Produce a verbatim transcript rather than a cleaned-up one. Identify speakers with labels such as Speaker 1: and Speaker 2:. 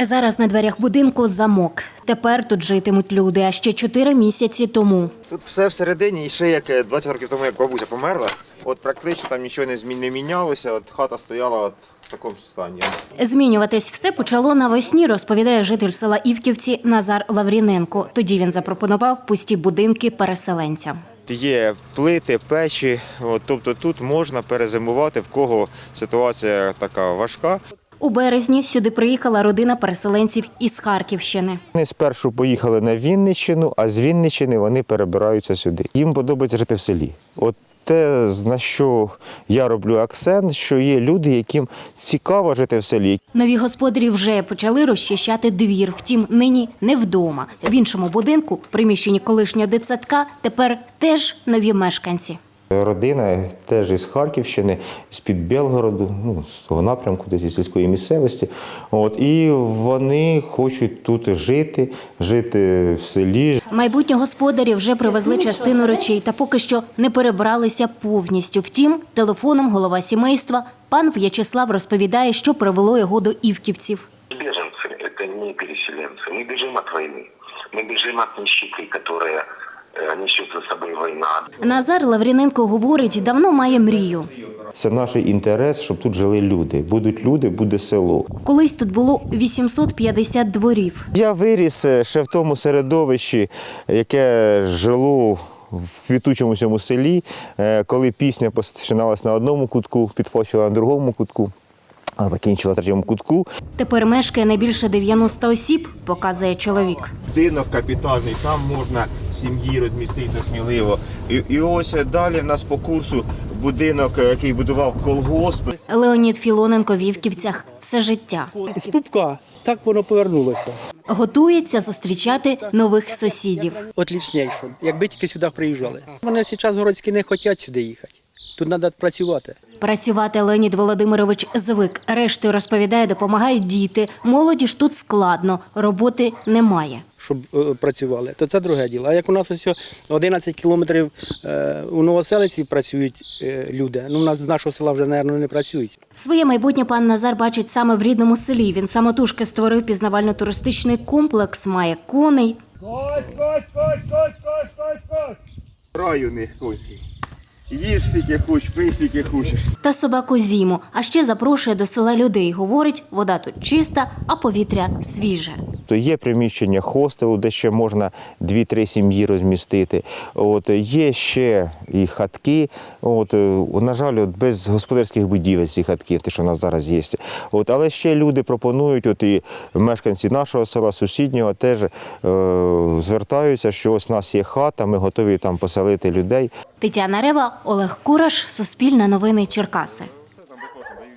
Speaker 1: Зараз на дверях будинку замок. Тепер тут житимуть люди, а ще чотири місяці тому.
Speaker 2: Тут все всередині, і ще як двадцять років тому, як бабуся померла, от практично там нічого не, змін, не мінялося, от хата стояла от в такому стані.
Speaker 1: Змінюватись все почало навесні, розповідає житель села Івківці Назар Лавріненко. Тоді він запропонував пусті будинки переселенцям.
Speaker 2: Є плити, печі, от, тобто тут можна перезимувати, в кого ситуація така важка.
Speaker 1: У березні сюди приїхала родина переселенців із Харківщини.
Speaker 2: Вони спершу поїхали на Вінниччину, а з Вінниччини вони перебираються сюди. Їм подобається жити в селі. От те, на що я роблю акцент, що є люди, яким цікаво жити в селі.
Speaker 1: Нові господарі вже почали розчищати двір, втім нині не вдома. В іншому будинку, приміщенні колишнього дитсадка, тепер теж нові мешканці.
Speaker 2: Родина теж із Харківщини, з-під Білгороду, ну, з того напрямку, десь із сільської місцевості. От, і вони хочуть тут жити, жити в селі.
Speaker 1: Майбутні господарі вже привезли частину речей та поки що не перебралися повністю. Втім, телефоном голова сімейства пан В'ячеслав розповідає, що привело його до Івківців.
Speaker 3: Беженцы – это не переселенцы. Мы бежим от войны. Мы бежим от нищеты, которая несет за собою війна.
Speaker 1: Назар Лавріненко говорить, давно має мрію.
Speaker 2: Це наш інтерес, щоб тут жили люди. Будуть люди, буде село.
Speaker 1: Колись тут було вісімсот п'ятдесят дворів.
Speaker 2: Я виріс ще в тому середовищі, яке жило в квітучому цьому селі, коли пісня починалась на одному кутку, підфочила на другому кутку, а закінчила на третьому кутку.
Speaker 1: Тепер мешкає не більше дев'яноста осіб, показує чоловік.
Speaker 2: Будинок капітальний, там можна сім'ї розміститися сміливо. І, і ось далі в нас по курсу будинок, який будував колгосп.
Speaker 1: Леонід Філоненко в Івківцях все життя.
Speaker 4: З пупка так воно повернулося.
Speaker 1: Готується зустрічати нових сусідів.
Speaker 4: Отлічніше, якби тільки сюди приїжджали. Вони зараз городські не хочуть сюди їхати. Тут треба працювати.
Speaker 1: Працювати Леонід Володимирович звик. Рештою, розповідає, допомагають діти. Молоді ж тут складно, роботи немає.
Speaker 4: Щоб е, працювали, то це друге діло. А як у нас ось одинадцять кілометрів е, у Новоселиці працюють е, люди, ну у нас з нашого села вже, мабуть, не працюють.
Speaker 1: Своє майбутнє пан Назар бачить саме в рідному селі. Він самотужки створив пізнавально-туристичний комплекс, має коней.
Speaker 2: Ось, ось, ось, ось, ось, ось, ось. Рай у них конський. Їж скільки хочеш, пий скільки хочеш.
Speaker 1: Та собаку Зіму. А ще запрошує до села людей. Говорить, вода тут чиста, а повітря свіже.
Speaker 2: То є приміщення хостелу, де ще можна дві-три сім'ї розмістити. От, є ще і хатки. От, на жаль, от, без господарських будівель ці хатки, те, що в нас зараз є. От, але ще люди пропонують, от, і мешканці нашого села, сусіднього, теж е, звертаються, що ось у нас є хата, ми готові там поселити людей.
Speaker 1: Тетяна Рева, Олег Кураш, Суспільне новини Черкаси.